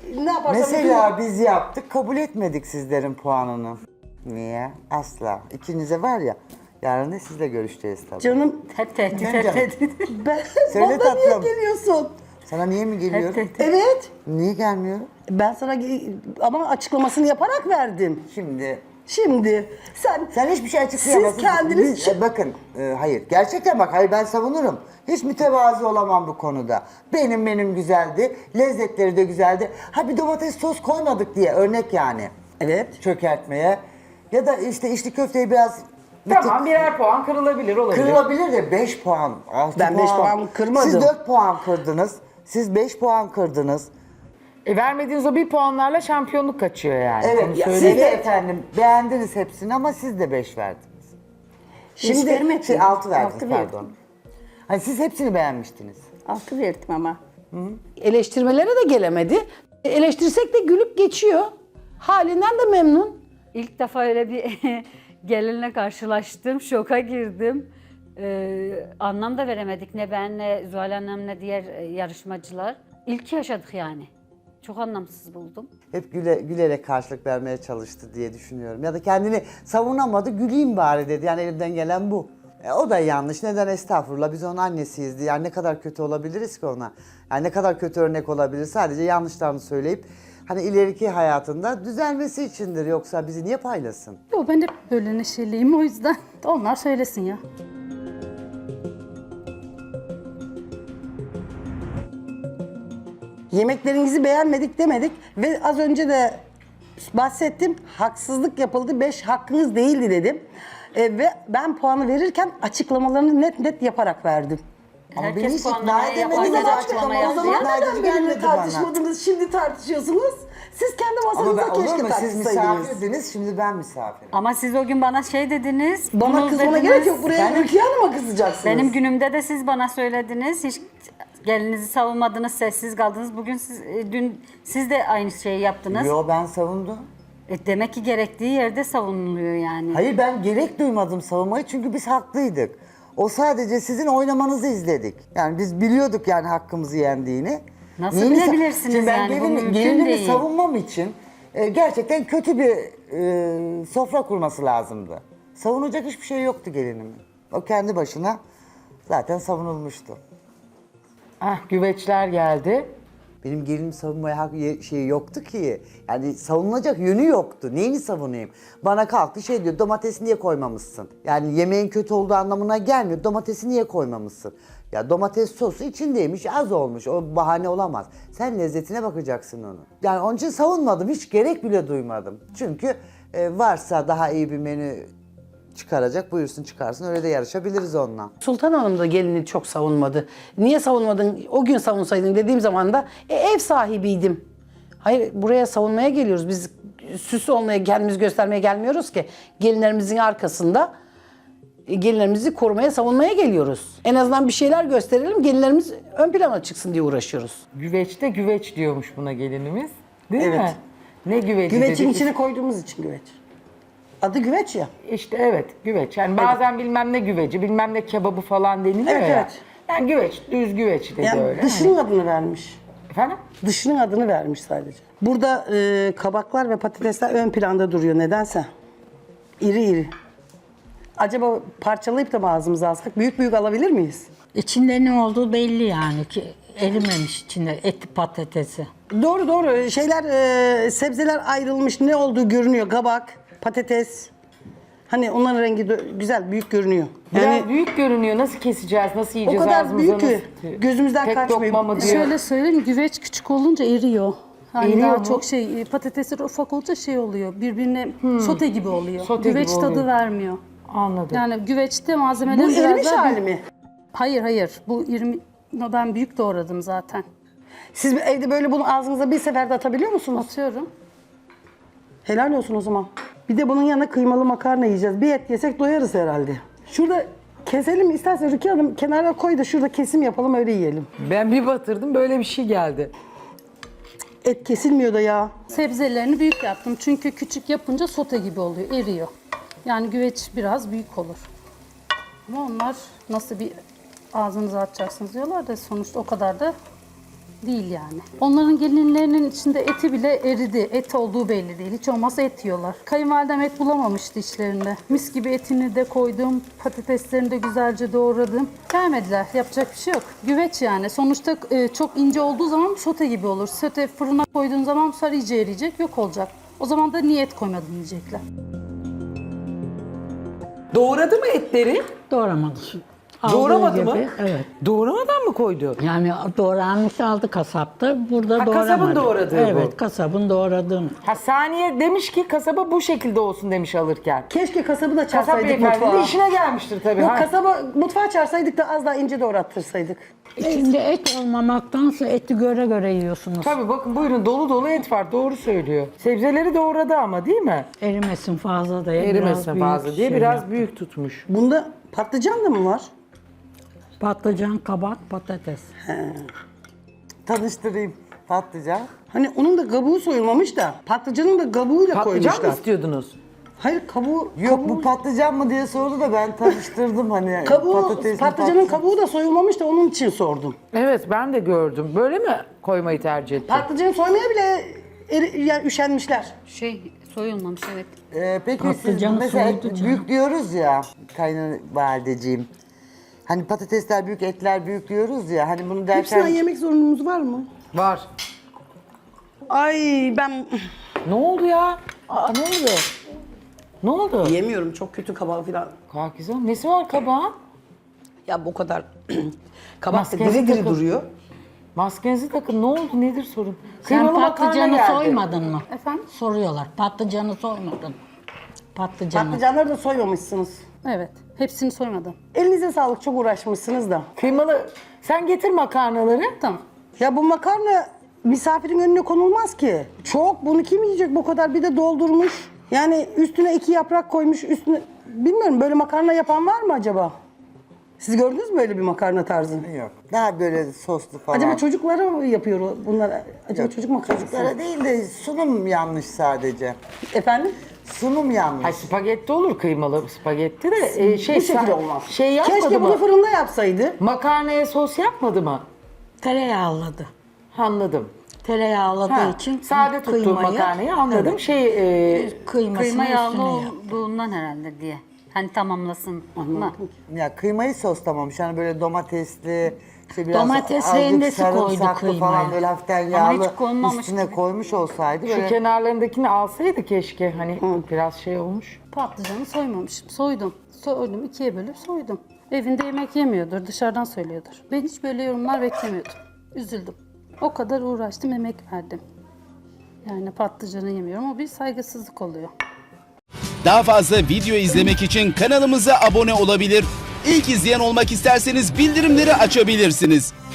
ne yaparsam Mesela biz yaptık, kabul etmedik sizlerin puanını. Niye? Asla. İkinize var ya, yarın da sizle görüşeceğiz tabii. Canım Hep tehdit, Canım. hep tehdit. ben Söyle bana niye tatlım. geliyorsun? Sana niye mi Hep geliyorum? tehdit. Evet. Niye gelmiyorum? Ben sana ama açıklamasını yaparak verdim. Şimdi Sen hiçbir şey açıklayamazsın. Siz kendiniz Bakın, hayır. Gerçekten bak, hayır ben savunurum. Hiç mütevazi olamam bu konuda. Benim menüm güzeldi, lezzetleri de güzeldi. Ha bir domates sos koymadık diye örnek yani. Evet. Çökertmeye. Ya da işte içli köfteyi biraz... Tamam, birer puan kırılabilir, olabilir. Kırılabilir de 5 puan, 6 Ben puan. 5 puan kırmadım. Siz 4 puan kırdınız. Siz 5 puan kırdınız. Vermediğiniz o bir puanlarla şampiyonluk kaçıyor yani. Evet, Onu siz söyleyeyim. de efendim beğendiniz hepsini ama siz de 5 verdiniz. Şimdi vermedim. 6 verdiniz, Altı pardon. verdim. Hani siz hepsini beğenmiştiniz. 6 verdim ama. Eleştirmelere de gelemedi. Eleştirsek de gülüp geçiyor. Halinden de memnun. İlk defa öyle bir gelinle karşılaştım, şoka girdim. Anlam da veremedik ne ben ne Zuhal Hanım ne diğer yarışmacılar. İlk yaşadık yani. Çok anlamsız buldum. Hep gülerek karşılık vermeye çalıştı diye düşünüyorum. Ya da kendini savunamadı, güleyim bari dedi. Yani elimden gelen bu. O da yanlış. Neden estağfurullah? Biz onun annesiyiz diye. Yani ne kadar kötü olabiliriz ki ona? Yani ne kadar kötü örnek olabilir? Sadece yanlışlarını söyleyip hani ileriki hayatında düzelmesi içindir. Yoksa bizi niye paylasın? Yo, ben de böyle neşeliyim o yüzden. Onlar söylesin ya. yemeklerinizi beğenmedik demedik ve az önce de bahsettim. Haksızlık yapıldı. 5 hakkınız değildi dedim. Ve ben puanı verirken açıklamalarını net net yaparak verdim. Ama Herkes beni hiç puanlamaya ikna yaparken edemediniz. açıklama O yaptı zaman ya. neden benimle tartışmadınız? Şimdi tartışıyorsunuz. Siz kendi Ama masanızda ben, olur keşke mu? Siz tartışsaydınız. misafirdiniz, şimdi ben misafirim. Ama siz o gün bana şey dediniz. Bana bunu kızmana dediniz. gerek yok. Buraya Ülkiye Hanım'a kızacaksınız. Benim günümde de siz bana söylediniz. Hiç gelinizi savunmadınız, sessiz kaldınız. Bugün dün siz de aynı şeyi yaptınız. Yo, ben savundum. Demek ki gerektiği yerde savunuluyor yani. Hayır, ben gerek duymadım savunmayı çünkü biz haklıydık. O sadece sizin oynamanızı izledik. Yani biz biliyorduk yani hakkımızı yendiğini. Nasıl Neyini bilebilirsiniz Şimdi ben yani? Bu mümkün gelinimi değil. savunmam için gerçekten kötü bir sofra kurması lazımdı. Savunacak hiçbir şey yoktu gelinimin. O kendi başına zaten savunulmuştu. Güveçler geldi. Benim gelinim savunmaya şeyi yoktu ki. Yani savunulacak yönü yoktu. Neyini savunayım? Bana kalktı şey diyor, domatesi niye koymamışsın? Yani yemeğin kötü olduğu anlamına gelmiyor. Domatesi niye koymamışsın? Ya domates sosu içindeymiş, az olmuş. O bahane olamaz. Sen lezzetine bakacaksın onu. Yani onun için savunmadım. Hiç gerek bile duymadım. Çünkü varsa daha iyi bir menü çıkaracak, buyursun çıkarsın. Öyle de yarışabiliriz onunla. Sultan Hanım da gelini çok savunmadı. Niye savunmadın? O gün savunsaydın dediğim zaman da ev sahibiydim. Hayır, buraya savunmaya geliyoruz. Biz süs olmaya, kendimizi göstermeye gelmiyoruz ki. Gelinlerimizin arkasında gelinlerimizi korumaya, savunmaya geliyoruz. En azından bir şeyler gösterelim, gelinlerimiz ön plana çıksın diye uğraşıyoruz. Güveçte güveç diyormuş buna gelinimiz. Değil Evet. mi? Ne güveci Güvecin dedik? içine koyduğumuz için güveç. Adı güveç ya. İşte evet, güveç. Yani bazen bilmem ne güveci, bilmem ne kebabı falan deniliyor Evet, ya. evet. Yani güveç, düz güveç dedi Yani öyle. dışının adını vermiş. Efendim? Dışının adını vermiş sadece. Burada kabaklar ve patatesler ön planda duruyor nedense. İri iri. Acaba parçalayıp da mı ağzımıza alsak? Büyük büyük alabilir miyiz? İçinde ne olduğu belli yani ki erimemiş içinde eti patatesi. Doğru doğru. Şeyler, sebzeler ayrılmış. Ne olduğu görünüyor. Kabak, patates. Hani onların rengi de güzel, büyük görünüyor. Biraz büyük görünüyor. Nasıl keseceğiz, nasıl o yiyeceğiz kadar ağzımıza? büyük ki gözümüzden Tek kaçmıyor. lokma mı diyor? Şöyle söyleyeyim, güveç küçük olunca eriyor. Yani Eriyor daha mu? çok patatesler ufak olunca şey oluyor, birbirine sote gibi oluyor. Sote gibi güveç tadı oluyor. vermiyor. Anladım. Yani güveçte malzemeler Bu biraz erimiş daha hali mi? Hayır, bu 20 ben büyük doğradım zaten. Siz evde böyle bunu ağzınıza bir seferde atabiliyor musunuz? Atıyorum. Helal olsun o zaman. Bir de bunun yanına kıymalı makarna yiyeceğiz. Bir et yesek doyarız herhalde. Şurada keselim istersen Rukiye Hanım, kenara koy da şurada kesim yapalım, öyle yiyelim. Ben bir batırdım, böyle bir şey geldi. Et kesilmiyor da ya. Sebzelerini büyük yaptım çünkü küçük yapınca sote gibi oluyor, eriyor. Yani güveç biraz büyük olur. Ama onlar nasıl bir ağzınıza atacaksınız diyorlar da sonuçta o kadar da Değil yani. Onların gelinlerinin içinde eti bile eridi. Et olduğu belli değil. Hiç olmazsa et yiyorlar. Kayınvalidem et bulamamıştı içlerinde. Mis gibi etini de koydum. Patateslerini de güzelce doğradım. Beğenmediler. Yapacak bir şey yok. Güveç yani. Sonuçta çok ince olduğu zaman sote gibi olur. Sote fırına koyduğun zaman bu sefer iyice eriyecek. Yok olacak. O zaman da niye et koymadın diyecekler. Doğradı mı etleri? Doğramadı. Aldığı Doğramadı mı? gibi, evet. Doğramadan mı koydu? Yani doğranmış aldı kasapta. Burada Ha, doğramadı. kasabın doğradığı bu. Evet, kasabın doğradığını. Ha, Saniye demiş ki kasaba bu şekilde olsun demiş alırken. Keşke kasabı da Kasap çağırsaydık beyefendi de mutfağa. işine gelmiştir tabii. Yok ha. kasaba mutfağa çağırsaydık da az daha ince doğrattırsaydık. İçinde et olmamaktansa eti göre göre yiyorsunuz. Tabii bakın buyurun dolu dolu et var doğru söylüyor. Sebzeleri doğradı ama değil mi? Erimesin fazla diye. Erimesin büyük fazla diye şey biraz yaptım. büyük tutmuş. Bunda patlıcan da mı var? Patlıcan, kabak, patates. Tanıştırayım patlıcan. Hani onun da kabuğu soyulmamış da patlıcanın da kabuğuyla Patlıcan mı koymuşlar. istiyordunuz? Hayır kabuğu... Yok bu patlıcan mı diye sordu da ben tanıştırdım hani. Kabuğu, patates mi, patlıcanın kabuğu da soyulmamış da onun için sordum. Evet ben de gördüm. Böyle mi koymayı tercih ettin? Patlıcanı soymaya bile yani üşenmişler. Soyulmamış evet. Peki siz Patlıcanı mesela soydu canım. büyük diyoruz ya kayınvalideciğim. Hani patatesler büyük, etler büyük diyoruz ya. Hani bunu Hepsinden derken yemek zorunluluğumuz var mı? Var. Ay ben Ne oldu ya? Aa, ne oldu? Ne oldu? yemiyorum çok kötü kabağı falan. Kalkizan nesi var kabağın? Ya bu kadar kabak da Maskesi diri diri takın. duruyor. Maskenizi takın ne oldu nedir sorun? Sen Kıymalı makarna patlıcanı geldi. soymadın mı? Efendim? Soruyorlar. Patlıcanı soymadın. Patlıcanı. Patlıcanları da soymamışsınız. Evet. Hepsini soymadım. Elinize sağlık çok uğraşmışsınız da. Kıymalı sen getir makarnaları. Tamam. Ya bu makarna misafirin önüne konulmaz ki. Çok bunu kim yiyecek bu kadar bir de doldurmuş. Yani üstüne 2 yaprak koymuş üstüne. Bilmiyorum böyle makarna yapan var mı acaba? Siz gördünüz mü böyle bir makarna tarzını? yok. Daha böyle soslu falan. Acaba çocuklara mı yapıyor bunlar? Acaba çocuk makarnası? Çocuklara değil de sunum yanlış sadece. Efendim? Sunum yanlış. Ay spagetti olur kıymalı spagetti de Bu şekilde olmaz. Şey yapmadı Keşke mı? bunu fırında yapsaydı. Makarnaya sos yapmadı mı? Tereyağladı. Anladım. Tereyağladığı Ha, için sade tuttuğum kıymayı- makarnayı anladım. Evet. Kıymasını Kıyma yağlı üstüne yap. olduğundan herhalde diye. Hani tamamlasın mı? Ya kıymayı soslamamış. Hani böyle domatesli, işte biraz Domates azıcık rendesi koydu sarımsaklı kıymaya. falan böyle hafiften Ama yağlı hiç konmamış üstüne gibi. koymuş olsaydı Şu böyle kenarlarındakini alsaydı keşke. Hani biraz şey olmuş. Patlıcanı soymamışım. Soydum. Soydum. 2'ye bölüp soydum. Evinde yemek yemiyordur. Dışarıdan söylüyordur. Ben hiç böyle yorumlar beklemiyordum. Üzüldüm. O kadar uğraştım, emek verdim. Yani patlıcanı yemiyorum. O bir saygısızlık oluyor. Daha fazla video izlemek için kanalımıza abone olabilir. İlk izleyen olmak isterseniz bildirimleri açabilirsiniz.